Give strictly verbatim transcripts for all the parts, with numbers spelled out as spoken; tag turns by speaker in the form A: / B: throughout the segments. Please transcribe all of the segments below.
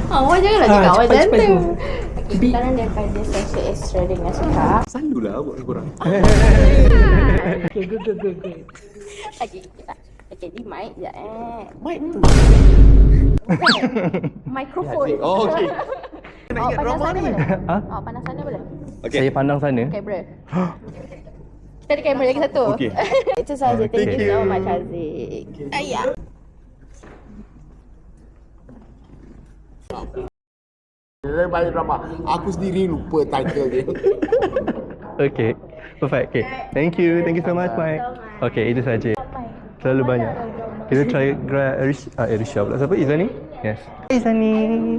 A: Awak janganlah cakap
B: Ah,
A: awak
B: cepat, cepat
A: jantan.
B: tu.
A: Okay, sekarang daripada sesi extra dengan Suka.
C: Selalulah buat korang.
B: Okay, good, good, good, good.
A: Okay, kita. Okay, di mic sekejap eh.
C: Mic tu.
A: Mikrofon.
C: Oh, okey.
A: Awak pandang sana boleh?
B: Ha?
A: Awak pandang sana boleh?
C: Okay.
B: Saya pandang sana.
A: Kamera. Kita ada kamera lagi satu.
C: Okey.
A: Itu saja. Thank
B: Thank
A: you so
B: you.
A: much, Haziq. Ayah.
C: Dia banyak drama. Aku sendiri lupa title dia.
B: Okay, perfect. Okay, thank you, thank you so much, Mike. Okay, itu saja. Terlalu banyak. Kita try grab Arisha, ah, Arisha pula. Siapa? Izani? Yes. Hey, Izani.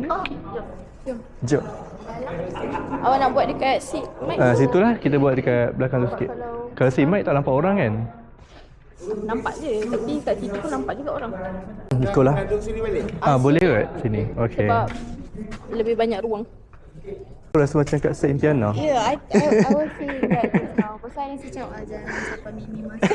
B: Jom.
A: Awak nak buat dekat seat mic?
B: Ah, situlah kita buat dekat belakang tu sikit. Kalau si Mike tak nampak orang kan?
A: Nampak je. Tapi kat situ pun nampak juga orang.
B: Ikut lah.
C: Duduk sini balik.
B: Ah, boleh ke sini? Okay.
A: Sebab lebih banyak ruang.
B: Aku rasa macam kat Saint Tiana.
A: Yeah, I, I, I was saying that just now. Pasal yang saya cakap aja sampai Mimi masuk.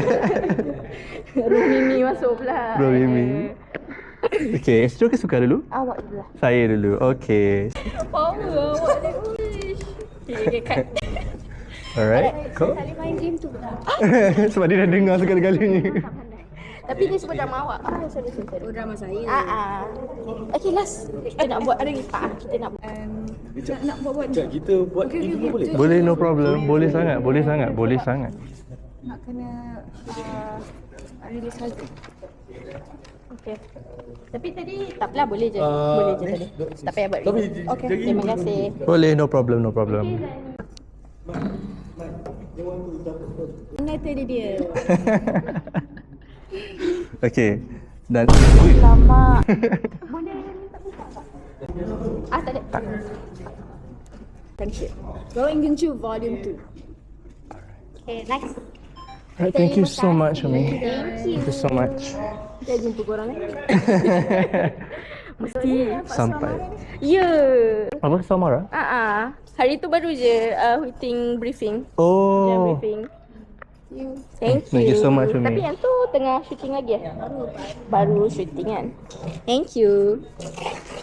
A: Room Mimi masuk pula.
B: Bro Mimi. Okay, Astro ke Suka dulu?
A: Awak dulu lah.
B: Saya dulu. Okay.
A: Power awak ni. Uish. Okay, okay, cut.
B: Alright. Kau?
A: Tak boleh main game tu pula.
B: Sebab dia dah dengar segala-galanya.
A: Tapi dia sebut drama awak. Ah, sorry, sorry, sorry.
D: Oh, drama saya.
A: Ah, ah. Okay, last. Kita nak buat hari tak? Kita nak buat.
D: Um, nak, nak buat-buat
C: Sekejap, kita buat okay, ini boleh?
B: Boleh, no problem. Boleh sangat, boleh sangat, boleh sangat.
D: nak kena uh, release harga.
A: Okay. Tapi tadi tak apalah, boleh je.
C: Uh,
A: boleh je tadi. Tak payah buat
C: tapi
A: review. Okay,
C: jadi-
A: terima kasih.
B: Boleh, no problem, no problem.
D: Mana tadi dia?
B: Okay. Dan
A: Lama. Boleh minta buka tak? Ah, tak ada. Tak.
D: Thank you. Going into volume two.
A: Okay, next.
B: Alright, thank you so much, Umi.
A: Thank you.
B: Thank you so much.
A: Kita jumpa korang eh. Mesti.
B: Sampai.
A: Ya.
B: Apa Samara?
A: Ah ah. Hari tu baru je uh, meeting briefing. Jam
B: Oh.
A: briefing. Thank you.
B: Thank you so much, Umi.
A: Tapi yang tu tengah shooting lagi eh? Baru. Baru shooting kan. Thank you.